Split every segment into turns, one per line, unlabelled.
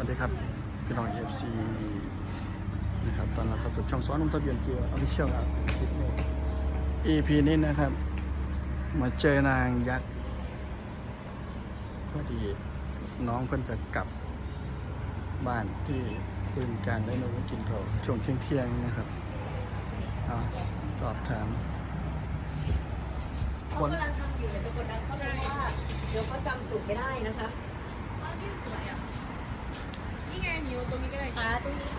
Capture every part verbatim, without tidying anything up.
วัสดีครับพี่น้อง เอฟ ซี นะครับตอนเราเข้าสู่ช่องซ้อนลงทะเบียนเกียร์ออฟฟิเชียลครับคลิปนี้ อี พี นี้นะครับมาเจอนางยักษ์พอดีน้องเพิ่นจะกลับบ้านที่บึงการได้มากินข้าวช่วงเที่ยงๆนะครับเอาสอบถาม
เขากำลังทำอยู่เลยเป็นคนนั้นเขาเลยว่าเดี๋ยวเขาจำสูตรไม่ได้นะคะ
อ้าวนี่สวยอ่ะนี่ไงนิ้วตรงนี้ก็ได้
อ่าตรงนี้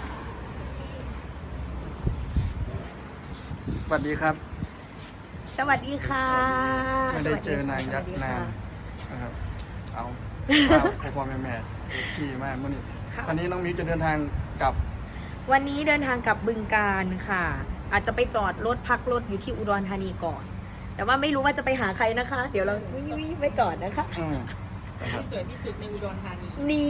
สวัสดีครับ
สวัสดีค่ะ
ไม่ได้เจอนางยักษ์นานนะครับ เอาพ่อพ่อแม่แม่ชี้มากมื่อนี้วันนี้น้องมิวจะเดินทางกลับ
วันนี้เดินทางกลับบึงการค่ะ อาจจะไปจอดรถพักรถอยู่ที่อุดรธานีก่อน แต่ว่าไม่รู้ว่าจะไปหาใครนะคะ เดี๋ยวเราวิ่งไปก่อนนะคะ
อืมนะครับ
ที่สวยที่สุดในอุดรธานี
นี่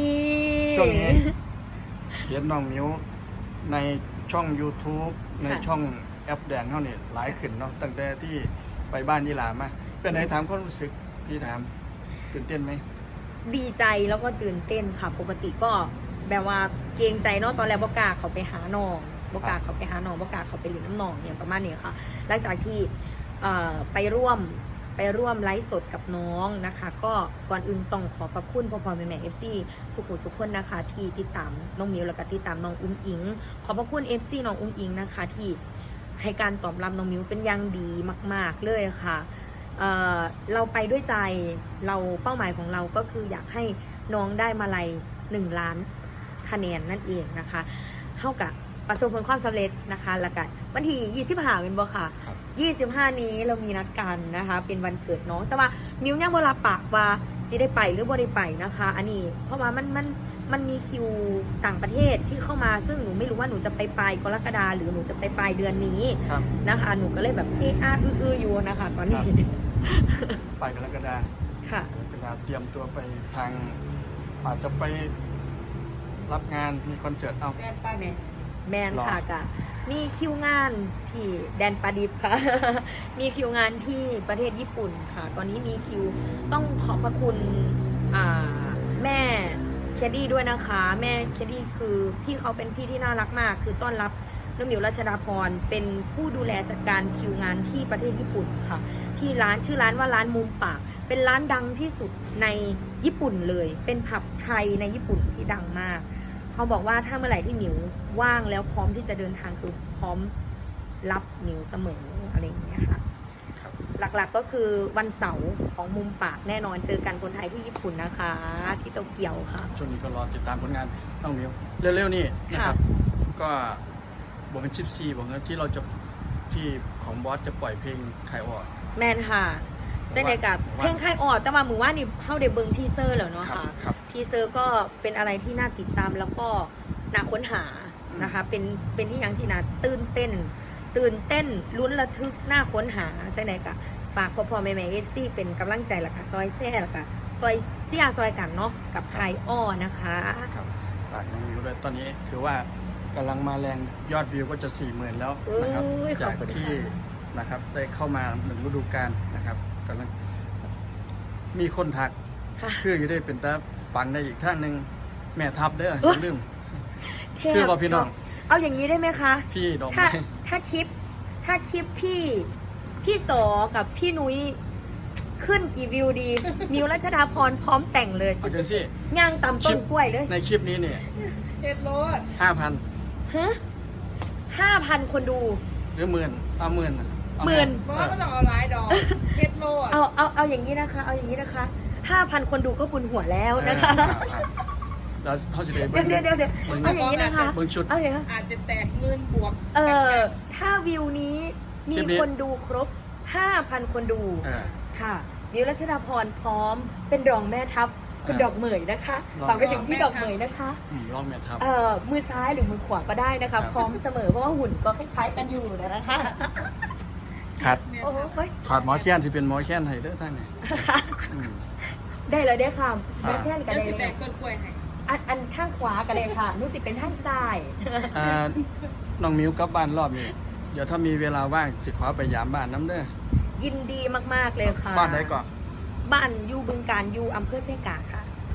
ช่วงนี้เห็นน้องมิวในช่อง YouTube ในช่องแอปแดงเขาเนี่ยหลายขึ้นเนาะตั้งแต่ที่ไปบ้านยี่หลามาเป็นไงถามความรู้สึกพี่ถามตื่นเต้นไหม
ดีใจแล้วก็ตื่นเต้นค่ะ ปกติก็แบบว่าเกรงใจเนาะตอนแรกบกล้าเขาไปหาน้องบกล้าเขาไปหาน้องบกล้าเขาไปเลี้ยงน้ำน้องอย่างประมาณนี้ค่ะ หลังจากที่เอ่อไปร่วมไปร่วมไลฟ์สดกับน้องนะคะ ก็ก่อนอื่นต้องขอขอบคุณพ่อพ่อแม่แม่เอฟซีสุขุมสุขคนนะคะ ที่ติดตามน้องมิวแล้วก็ติดตามน้องอุ้งอิง ขอบพระคุณเอฟซีน้องอุ้งอิงนะคะ ที่ให้การตอบรับน้องมิวเป็นอย่างดีมาก ๆเลยค่ะเอ่อเราไปด้วยใจเราเป้าหมายของเราก็คืออยากให้น้องได้มาลัยหนึ่งล้านคะแนนนั่นเองนะคะเท่ากับประสบผลความสำเร็จนะคะแล้วกันวันที่ยี่สิบห้าเป็นบ่ค่ะ ยี่สิบห้านี้เรามีนัดกันนะคะเป็นวันเกิดน้องแต่ว่ามิวยังบ่รับปากว่าสิได้ไปหรือบ่ได้ไปนะคะอันนี้เพราะว่ามันมันมันมีคิวต่างประเทศที่เข้ามาซึ่งหนูไม่รู้ว่าหนูจะไปปลายกรกฎาหรือหนูจะไปปลายเดือนนี้นะคะหนูก็เลยแบบเอออาอื้อๆอยู่นะคะตอนนี้
ไปกรกฎา
ค่ะ
กรกฎาเตรียมตัวไปทางอาจจะไปรับงานมีคอนเสิร์ตเอา
แดนป้าเนี่ย
แมนค่ะกะมีคิวงานที่แดนปาดิบค่ะ มีคิวงานที่ประเทศญี่ปุ่นค่ะ ตอนนี้มีคิวต้องขอบพระคุณอ่าแม่เคดดี้ด้วยนะคะ แม่เคดดี้คือพี่เขาเป็นพี่ที่น่ารักมาก คือต้อนรับน้องหมิวรัชดาพรเป็นผู้ดูแลจัดการคิวงานที่ประเทศญี่ปุ่นค่ะ ที่ร้านชื่อร้านว่าร้านมุมปาก เป็นร้านดังที่สุดในญี่ปุ่นเลย เป็นผับไทยในญี่ปุ่นที่ดังมากเขาบอกว่าถ้าเมื่อไหร่ที่หมิวว่างแล้วพร้อมที่จะเดินทางคือพร้อมรับหมิวเสมออะไรอย่างเงี้ยค่ะ
ครับ
หลักๆก็คือวันเสาร์ของมุมปากแน่นอนเจอกันคนไทยที่ญี่ปุ่นนะคะที่โตเกียวค่ะ
ช่วงนี้ก็รอติดตามผลงานน้องมิวเร็วๆนี่นะครับ ก็บอกเป็นชิปซีบอกว่าที่เราจะที่ของบอสจะปล่อยเพลงขายออก
แมนค่ะจังไดกับเพลงค่ายออดแต่ว่าหมือว่านี่เข้าได้เบิงทีเซอร์แล้วเนาะ
ครับ
ค่ะ
ครับ
ทีเซอร์ก็เป็นอะไรที่น่าติดตามแล้วก็น่าค้นหานะคะ เป็นเป็นที่ยังที่น่าตื่นเต้น ตื่นเต้นลุ้นระทึกน่าค้นหาจังไดกับฝากพ่อพ่อแม่แม่เอฟซีเป็นกำลังใจละค่ะซอยแซ่ละค่ะซอยเสียซอยกันเนาะกับค่ายอ้อนะคะ
ครับฝากน้องมิวด้วยตอนนี้ถือว่ากำลังมาแรงยอดวิวก็จะสี่หมื่นแล้วนะครับ
เอ้ยขอ
จา
บ
ก
คุณ
ที่
ค่ะ
นะครับได้เข้ามาหนึ่งฤดูกาลนะครับกำลังมีคนทัก
ค่ะ
คือจะได้เป็นตาปังได้อีกท่านหนึ่งแม่ทับเด้ออย่าลืม
เท
คือ
พ
ว่าพี่น้อง
เอาอย่างนี้ได้ไหมคะ
พี่ดอก
ถ้า
ไม้
ถ้าคลิปถ้าคลิปพี่พี่โสกับพี่นุ้ยขึ้นกี่วิวดี มิวรัชดาพรพร้อมแต่งเลย
เอาจังสิ
ย่างตำต้นกล้วยเลย
ในคลิปนี้เนี่ย
เจ็ดโลด
ห้าพัน
ฮะห้าพันคนดู
หรือหมื่นเอาหมื่นอะเอา
หมื่น
เพราะว่ามันต้องเอาหลายดอกเจ็ดโลด
เอาเอาเอาอย่างนี้นะคะ เอาอย่างนี้นะคะห้าพันคนดูก็บุญหัวแล้วนะคะ
เออเราเขาจะได้
เดี๋ยวเดี๋ยวเดี๋ยว
เบิ่ง
เอาอย่างนี้นะคะ
เบิ่งชุด
เอาอย่างนี้
อาจจะแตกหมื่นบวก
เออถ้าวิวนี้มี
คลิปนี้
คนดูครบห้าพันคนดู
เออ
ค่ะมิวรัชดาพรพร้อมเป็นรองแม่ทัพคุณ
อ่า
ดอกเหมยนะคะ
รอง
ฝากไปถึงพี่ดอกเหมยนะคะ
อืมลองแม่ทับ
เอ่อมือซ้ายหรือมือขวาก็ได้นะ
ครั
คะ
บ
พร้อมเสมอเพราะว่าหุ่นก็คล้ายๆกันอยู่นะคะ
ขาด
โอ้โย
ขาดหมอแค้นที่เป็นหมอแค้นให้เด้อท่านเนี่ยอืม
ได้เลยได้ค่ะ
อ่า
แม่แท่นก็
เดี๋ยว
ได้
สิ
เล
แต
ย
กต้นกล้วยให้
อันอันข้างขวาก็ได้ค่ะรู้สึกเป็นข้างซ้าย
อ่าน้องมิวกลับบ้านรอบนี้เดี๋ยวถ้ามีเวลาว่างจะขอไปยามบ้านน้ำเด้อ
ยินดีมากๆเลยค่ะ
บ้านไหนก่อน
บ้านอยู่บึงการอยู่อำเภอเซกาค่ะ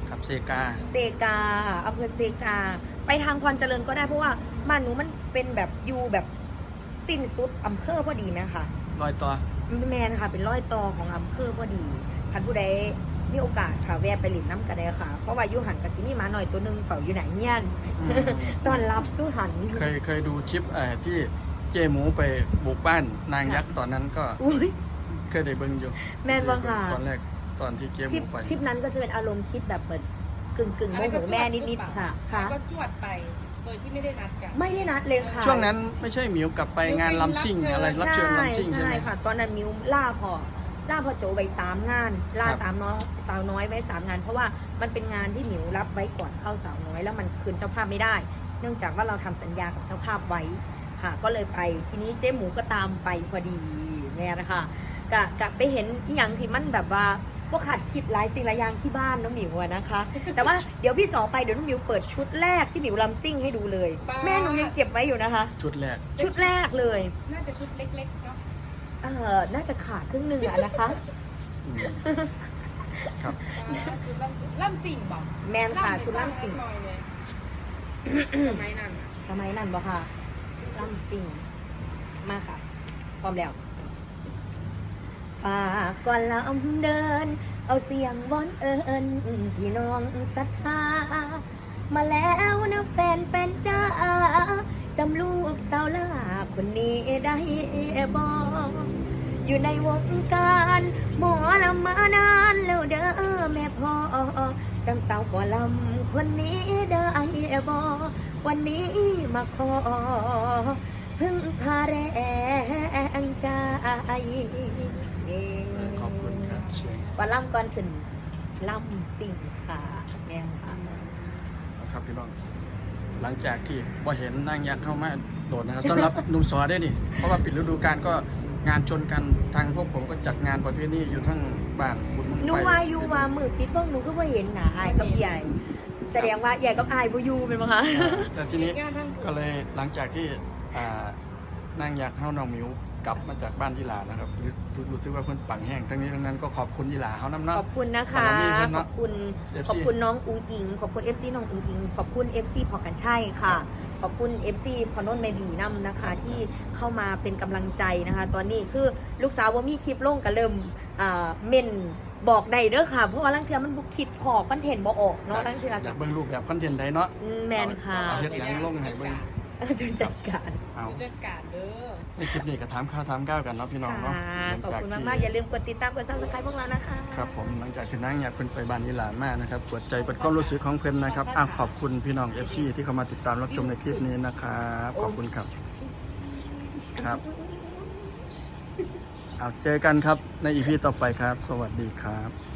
ครับเซกา
เซกาอำเภอเซกา ไปทางพรเจริญก็ได้เพราะว่าบ้านหนูมันเป็นแบบอยู่แบบสิ้นสุดอำเภอพอดีไหมคะ
ลอยต่อ
แมนค่ะเป็นร้อยต่อของอำเภอพอดีท่านผู้ใดมีโอกาสค่ะแวะไปหลินน้ำกันได้ค่ะ เพราะว่าอยุหันกับซิมีหมาหน่อยตัวหนึงเฝ้าอยู่ไหนเงี้ยน
อืม
ตอนรับตู้หัน
เคยเคยดูคลิปเอ่อที่เจหมูไปบุกบ้านนางยักษ์ตอนนั้นก็
อุ้ย
เคยได้เบิ่งอยู่
แม่นบ่ค่ะ
ตอนแรกตอนที่เจห
คลิ
มู
ป
ไป
คลิปนั้นก็จะเป็นอารมณ์คิดแบบเหมือนกึ่งกึ่งๆโมโหแม่นิดๆค่ะ
ค่ะ
ค่ะ
ก็จวดไปโดยที่ไม่ได้นัดกัน
ไม่ได้นัดเลยค่ะ
ช่วงนั้นไม่ใช่หมิวกลับไปงานลำซิ่งอะไรรับเชิญลำซิ่งใช่ไหม
ค่ะ ตอนนั้นมิวล่าพอล่าพอโจไปสามงานล่า
ครับ
สามน้องสาวน้อยไว้สามงาน เพราะว่ามันเป็นงานที่มิวรับไว้ก่อนเข้าสาวน้อยแล้วมันคืนเจ้าภาพไม่ได้ เนื่องจากว่าเราทำสัญญากับเจ้าภาพไว้ค่ะก็เลยไปทีนี้เจ๊หมูก็ตามไปพอดีแม่นะคะกะกะไปเห็นอีหยังที่มันแบบว่าพวกขาดคิดหลายสิ่งหลายอย่างที่บ้านน้องหมิวอะนะคะ แต่ว่าเดี๋ยวพี่สองไปเดี๋ยวน้องหมิวเปิดชุดแรกที่หมิวลำซิ่งให้ดูเลย แม่หนูยังเก็บไว้อยู่นะคะ
ชุดแรก
ชุดแรกเลย
น่าจะชุดเล็กๆเนาะ
เออน่าจะขาดครึ่งหนึ่งอะนะคะ
อืมครับ
อ่าชุดล่ำล่ำสิ่งบอก
แมนค่ะชุดล่ำสิ่ง
หน่อยเลยสมัยนั้นอะ
สมัยนั้นบ่ค่ะล่ำสิ่งมาค่ะ พร้อมแล้วฝากก่อนลำเดิน เอาเสียงวอนเอิญพี่น้องศรัทธา มาแล้วนะแฟนแฟนจ้าจำลูกสาวลาคนนี้ได้บ่อยู่ในวงการหมอลำมานานแล้วเด้อแม่พ่อจำสาวก่อลำคนนี้ได้บ่วันนี้มาขอพึ่งพาแรงใจ
ขอบคุณครับเสียง
ก่อนล่ำก่อนขึ้นล่ำสิ่งค่ะแม่ค่ะ
นะครับพี่น้อง หลังจากที่บ่เห็นนางยักษ์เข้ามาโดดนะครับสำหรับหนุ่มสอได้นี่ เพราะว่าปิดฤดูกาลก็งานชนกันทางพวกผมก็จัดงานประเภทนี้อยู่ทั้งบ้านบุญเมือง
หนู
ไฟ
ว่าอยู่ว่ามือปิดพวกหนูก็ว่าเห็นหนาอายกับใหญ่ แสดงว่าใหญ่กับอายบ่อยู่เป็นมั้งคะ
อ่าแต่ทีนี้
งานทั้ง
ก็เลยหลังจากที่อ่านางยักษ์เข้าน้องหมิวกลับมาจากบ้านอีหลานะครับรู้รู้สึกว่าเพิ่นปังแห้งทั้งนี้ทั้งนั้นก็ขอบคุณอีหลาเขาน้ำเนาะ
ขอบคุณนะคะ
บารมีเพิ่น
ข
เนาะ
อบคุณ
เอฟซี
ขอบคุณน้องอุงอิง ขอบคุณ เอฟ ซี น้องอุงอิง ขอบคุณ เอฟ ซี พอกันใช่ค่ะ ขอบคุณ เอฟ ซี พอนนท์เมบีน้ำนะคะ ที่เข้ามาเป็นกำลังใจนะคะ ตอนนี้คือลูกสาวว่ามีคลิปลงก็เริ่มอ่าเมนบอกได้เด้อค่ะ เพราะว่าลังเทียมันบุคิดพอคอนเทนต์บ่ออกเนาะลังเทีย
อยากเบิ่งรูปแบบคอนเทนต์ใดเนาะ
อืมแมนค่ะ
เอาเฮ็ดหยังลงให้เบิ่ง
ดูจัดการ
เอา
ผู้จัดการเด้อ
ในคลิปนี้ก็ถามข้าวถามก้าวกันเนาะพี่น้องเนาะ
ค่ะ
หลัง
ขอบ
จาก
คุณ
ที่
มากๆ อย่าลืมกดติดตามกดซับสไครต์พวกเรานะคะ
ครับผมหลังจากที่นั่งอยากเพิ่นไปบ้านอีหลานมากนะครับเปิดใจเปิดความรู้สึกของเพิ่นนะครับอ่ะขอบคุณพี่น้อง เอฟ ซี ที่เข้ามาติดตามรับชมในคลิปนี้นะครับขอบคุณครับครับเอาเจอกันครับในอีพีต่อไปครับ สวัสดีครับ